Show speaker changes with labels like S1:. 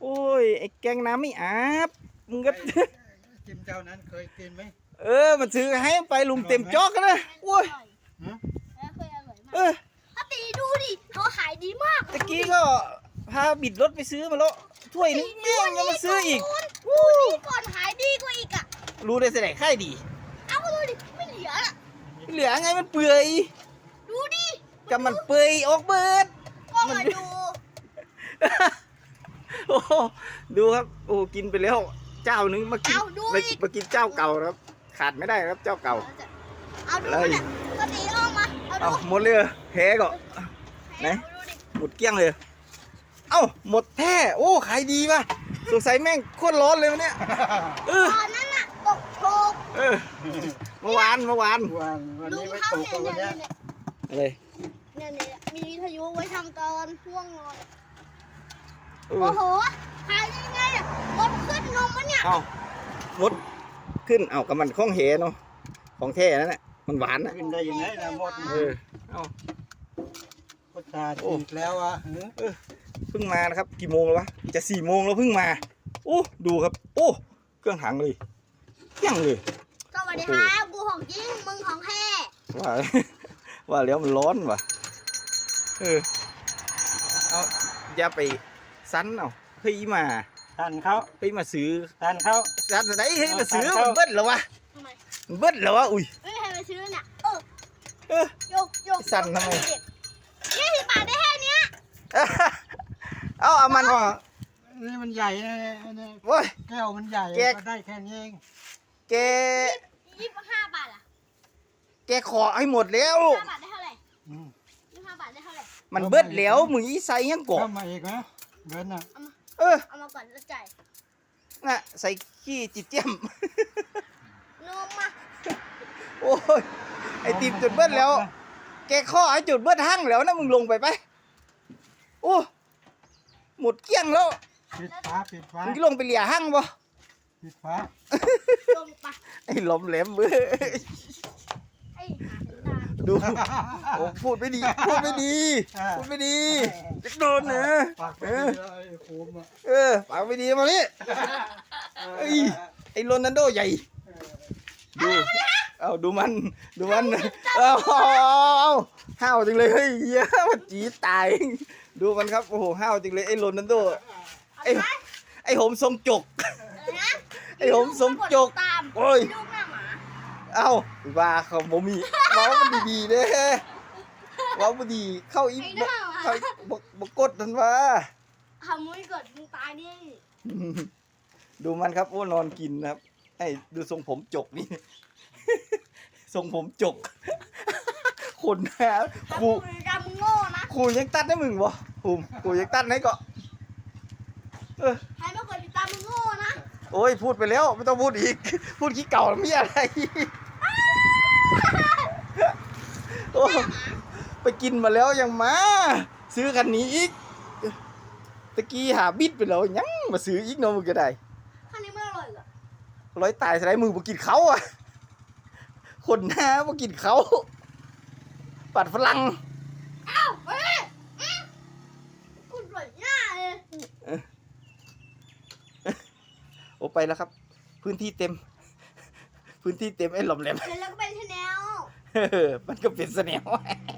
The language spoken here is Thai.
S1: โอ้ยไอ้แกงน้ำไม่อาบมึงก็
S2: จิมเจ้านั้นเคยกินไหม
S1: มันซื้อให้ไปลุงเต็มจอกนะโอ้ย
S2: ฮะ
S3: แล้วเคยอร่อยมาก
S1: เออ
S3: ถ้าตีดูดิเขาขายดีมาก
S1: ตะกี้ก็พาบิดรถไปซื้อมาแล้วถ้วยนึงแม่งยังมาซื้ออีก
S3: ดูนี่ก่อนขายดีกว่าอีกอ่ะ
S1: รู้ได้แสดงค่ายดี
S3: เอาดูดิไม่เหลืออ่ะ
S1: เหลือไงมันเปื่อย
S3: ดูดิ
S1: กับมันเปื่อยออกเบิด
S3: ก็มาดู
S1: โอ้โหดูครับโอ้กินไปแล้วเจ้านึงมากิน
S3: เอาดู
S1: มา
S3: อีก
S1: มากินเจ้าเก่านะครับ ขาดไม่ได้ครับเจ้าเก่า
S3: เอาดูเนี่ยก็ตีออกมาเอา
S1: เอา
S3: ดู
S1: หมดเลยเหรอแพ้ก็ ไหน
S3: เอาดูดิ
S1: หมดเกลี้ยงเลย เอ้าหมดแท้โอ้ขายดีป่ะสงสัยแม่งโคตรร้อนเลยวันเนี้ยเออ
S3: ตอนนั้นน่ะตกโชก
S1: เออเมื่อวาน
S2: วัน
S3: ลุ
S2: นี้
S3: ง
S2: ไม่
S3: เขา
S2: ตก
S3: เนี่ย
S2: แล้ววัน
S3: เนี่ย
S2: เนี้ย
S1: อะไร
S3: เนี่ยมีวิทยุไว้ทำตอนช่วงนอน
S1: เออ
S3: โอ้โหขายยังไงอ่ะรถขึ้นนมมันเนี่ย
S1: เอ้าหมดขึ้นเอ้ากับมันข้องเหเนาะของแท้นั่นแหละมันหวานนะ
S2: กินได้ยังไงนะหมด
S1: เออเอ้า
S2: ก็ตาจีกแล้วอ่ะ
S1: เพิ่งมานะครับกี่โมงแล้ววะจะ4 โมงแล้วเพิ่งมาโอ้ดูครับโอ้เครื่องถังเลยเที่ยงเลย
S3: สวัสดีครับกูของจริงมึงของแท้
S1: ว่า ว่าแล้วมันร้อนว่ะเอาอย่าไปซันเอาเฮ้ยมา
S2: ทันเขา
S1: เฮ้ยมาซื้อ
S2: ทันเขา
S1: ซันไหนเฮ้ยมาซื้อ
S2: เอา
S1: มันเบิ้ลแล้ววะ
S3: ทำไม
S1: มันเบิ้ลแล้ววะอุ้ย
S3: ไม่มีใครมาซื้อเนี่ย
S1: เออ
S3: โยกโยก
S1: สั่นทำไม
S3: 20 บาทได้แค่เนี้ย
S1: เอามัน
S2: ก็นี่มันใหญ่นะเนี่ย
S1: โว้ย
S2: แก้วมันใหญ่
S1: แก
S2: ก็ได้แค่นี้เอง
S1: แก
S3: 25 บาทอ่ะ
S1: แกขอให้หมดแล้ว
S3: 25 บาทได้เท่าไหร่
S2: อืม
S3: 25 บาทได้เท่าไหร่
S1: มันเบิ้ลแล้วมึงอีใส่ยังกบ
S2: เข้ามาอีกนะเดินน่ะ
S1: เออ
S3: เอามาก่อนแล้วจ่าย
S1: น่ะใส่ขี้จิตเจียม
S3: นมมา
S1: โอ้ยไอติมจุดเบิ้ลแล้ว แกข้อให้จุดเบิ้ลหั่งแล้วนะมึงลงไปไปโอ้หมดเกลี้ยงแล้ว
S2: ปิดฟ้าปิดฟ้า
S1: มึงลงไปเหลี่ยหั่งบ่
S2: ปิดฟ้า
S3: ลงไป
S1: ไอ้หลอมแหลมเว้ย
S3: ไอ้หาถึงตา
S1: ดูโอ้พูดไม่ดีพูดไม่ดีพูดไม่ดีจะโดนนะ
S2: ปากไป
S1: เออ
S2: เลยโคมอ่ะ
S1: ปากไม่ดีมานี่ไอ้โรนัลโดใหญ่ดูเอาดูมันเอาห้าวจริงเลยเฮ้ยเหี้ยมันจีดตายดูมันครับโอ้โหห้าวจริงเลยไอ้โรนัลโดไอ้หมทรงจก
S3: นะ
S1: ไอ้หมทรงจก
S3: ตาม
S1: โอ้ย
S3: ลูกหน้าหมา
S1: เอ้าว่าเขาบ่มีเว้ามันดีๆเด้เว้าบ่ดีเข้าอี
S3: ไอ้หน้าหมา
S1: เข้าบ่กดทันว่า
S3: ทำไม่เกิดมึงตายนี่
S1: ดูมันครับโอ้นอนกินนะครับไอ้ดูทรงผมจกนี่ ทรงผมจก คนแท้ครู
S3: จำมึงโง่นะ
S1: ครูยังตัดให้มึงบ่ภูมิครูยังตัดให้ก็เออ
S3: ใครไม่เคยติดตามมึงโง่นะ
S1: โอ้ยพูดไปแล้วไม่ต้องพูดอีก พูดขี้เก่าแล้วมีอะไร โอ้ไปกินมาแล้วยังมาซื้อคันนี้อีกตะกี้หาบิดไปแล้วยังมาซื้ออีกเนาะมึงก็ได้
S3: ข้างนี้ไม่อร่อยเหรอ
S1: ร้อยตายสไลด์มือบ่กินเขาอ่ะคนหน้าบ่กินเขาปัดฝรั่ง
S3: อ้าวเฮ้ยกูปวดหน้าเลย
S1: โอ้ไปแล้วครับ พื้นที่เต็ม พื้นที่เต็มไอ้หล่อมแหลม
S3: เสร็จแล้วก็เป็นชาแนล
S1: มันก็เป็นเสน่ห์